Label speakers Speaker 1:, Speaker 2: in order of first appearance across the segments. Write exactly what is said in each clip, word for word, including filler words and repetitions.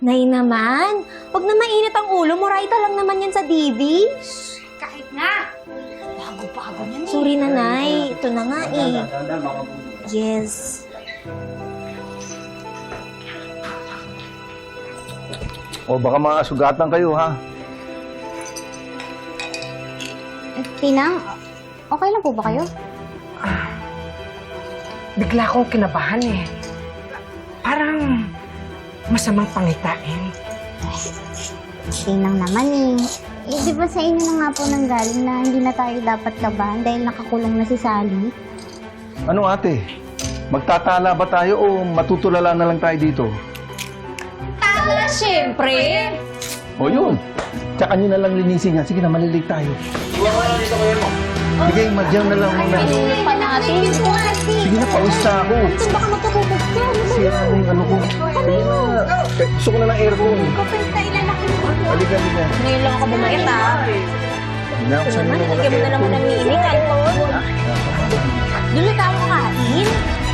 Speaker 1: Nay naman, wag na mainit ang ulo mo. Raita lang naman yan sa D V.
Speaker 2: Kahit nga! Bago-bago yan eh.
Speaker 1: Sorry na, Nay. Ito na nga eh. Yes.
Speaker 3: O baka makasugatan kayo, ha?
Speaker 4: Tinang, okay lang po ba kayo?
Speaker 5: Bigla akong kinabahan eh. Parang masamang pangitain.
Speaker 4: Tinang naman eh. Eh, di ba sa inyo na nga po nang galing na hindi na tayo dapat kabahan dahil nakakulong na si Sally?
Speaker 3: Ano ate? Magtatala ba tayo o matutulala na lang tayo dito?
Speaker 2: Tala, syempre!
Speaker 3: O yun. Tsaka nyo na lang linisin yan. Sige na, malilig tayo. Sige, madyan na lang muna.
Speaker 4: Pinuli pa natin.
Speaker 3: Sige na, pawis na ako.
Speaker 4: Baka magkatubog ka.
Speaker 3: Sira mo yung ano ko. Sige na. Gusto ko na ng aircon.
Speaker 4: Kapag tayo lalaki mo.
Speaker 3: Halika, halika.
Speaker 1: Ngayon lang ako bumait, ha?
Speaker 3: Hindi na ako sa
Speaker 1: Naman,
Speaker 3: mga
Speaker 1: lagyan mo na naman ng mini, Anton. Doon na tayo kakain.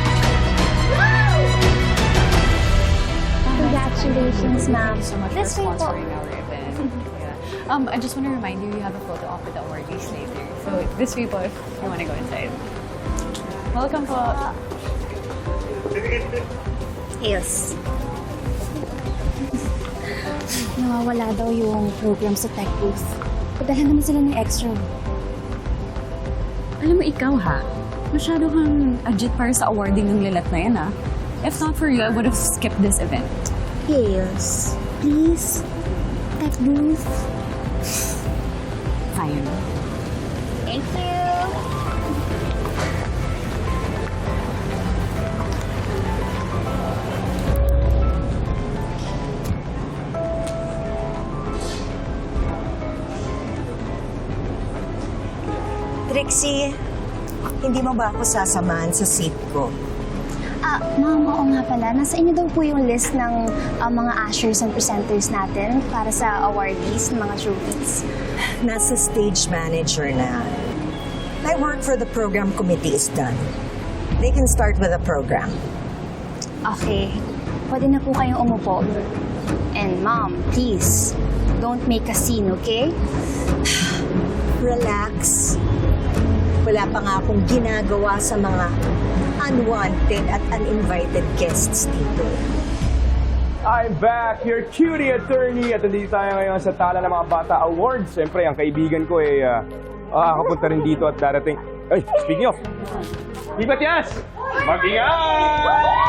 Speaker 4: Congratulations, ma'am.
Speaker 6: so much
Speaker 4: This
Speaker 6: for
Speaker 4: way po.
Speaker 6: sponsoring our event. Yeah. Um, I just want to remind you, you have a photo op with the awardees later. So this way po, if you want to go inside. Welcome po.
Speaker 1: Yes.
Speaker 7: Nawawala daw yung program sa tech booth. Padala naman sila ng extra.
Speaker 6: Alam mo, ikaw ha, masyado kang agit para sa awarding ng lilat na yan ha. If not for you, I would have skipped this event.
Speaker 7: Yes. Please. Tech booth.
Speaker 6: Fine.
Speaker 4: Thank you.
Speaker 8: Trixie, hindi mo ba ako sasamahan sa seat ko?
Speaker 7: Ah, ma'am, oo nga pala. Nasa inyo daw po yung list ng ah, mga ushers and presenters natin para sa awardees, ng mga trophies.
Speaker 8: Nasa stage manager na. My work for the program committee is done. They can start with the program.
Speaker 7: Okay. Pwede na po kayong umupo. And ma'am, please, don't make a scene, okay?
Speaker 8: Relax. Wala pa nga akong ginagawa sa mga unwanted at uninvited guests dito.
Speaker 9: I'm back, your cutie attorney. At nandito tayo ngayon sa Tala ng Mga Bata Awards. Siyempre, ang kaibigan ko ay uh, makakapunta rin dito at darating. Ay, speaking of, Di Matias! Mag-ingat!